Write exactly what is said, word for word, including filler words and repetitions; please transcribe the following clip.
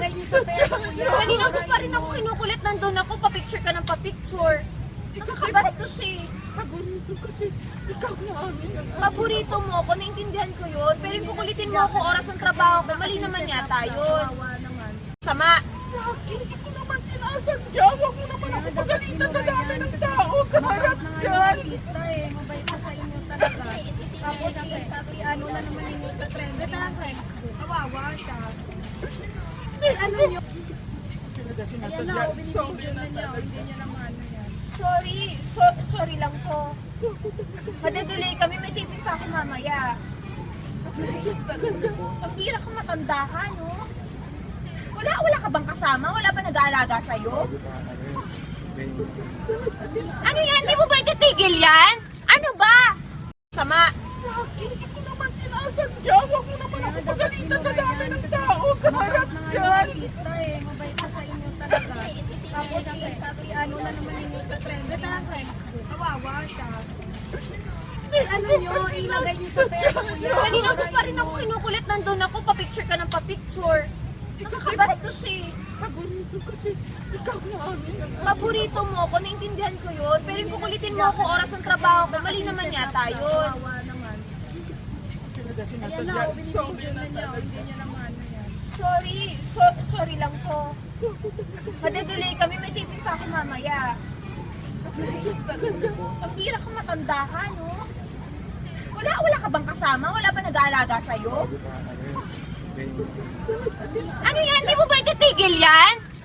Ilagay niyo sa pera ko yan. Kanina ko pa rin ako kinukulit, nandun ako, pa-picture ka ng pa-picture. Nakakabastos eh. Paborito kasi ikaw na amin ang Paborito mo ako, naintindihan ko yun. Pero yung kukulitin mo ako, oras ng trabaho ko, mali naman yata yun. Kawawa naman. Sama. Hindi ko naman sinasadya. Huwag mo naman ako pagalitan sa dami ng tao. Kaharap Mga dyan. artista eh, mabait na sa inyo talaga. Tapos i- ano na naman ninyo sa trending ng Facebook. Kawawa siya. Ano nyo? Talaga Ayan sinasadya. na, oh, Sorry binibidyo na na niya. talaga. Hindi niya naman ano yan. Sorry. So, sorry lang po. Madedelay kami, may taping pa ako mamaya. Sorry talaga. Ang hirap kang matanda ka, no? Wala, wala ka bang kasama? Wala ba nag-aalaga sa'yo? Ano yan? Di mo ba ititigil yan? Ano ba? Sama. Hindi ko naman sinasadya. Huwag mo naman ako pagalitan sa dami ng tao. Kaharap Mga dyan. artista eh, mabait na sa inyo talaga. Tapos i- i- ano na naman ninyo sa trending ng Facebook. Kawawa siya. Ano nyo? Ilagay niyo sa pera ko yan. Kanina ko pa rin ako kinukulit, nandun ako, pa-picture ka ng pa-picture. Nakakabastos eh. Paborito kasi ikaw na amin ang Paborito mo ako, naintindihan ko yun. Pero yung kukulitin mo ako, oras ng trabaho ko, mali naman yata yun. Kawawa naman. Talaga Ayan sinasadya. na, oh, Sorry binibidyo na na niya. talaga. Hindi niya naman ano yan. Sorry. So, sorry lang po. Madedelay kami, may taping pa ako mamaya. Sorry talaga. Ang hirap kang matanda ka, no? Wala, wala ka bang kasama? Wala ba nag-aalaga sa'yo? Ano yan? Di mo ba ititigil yan?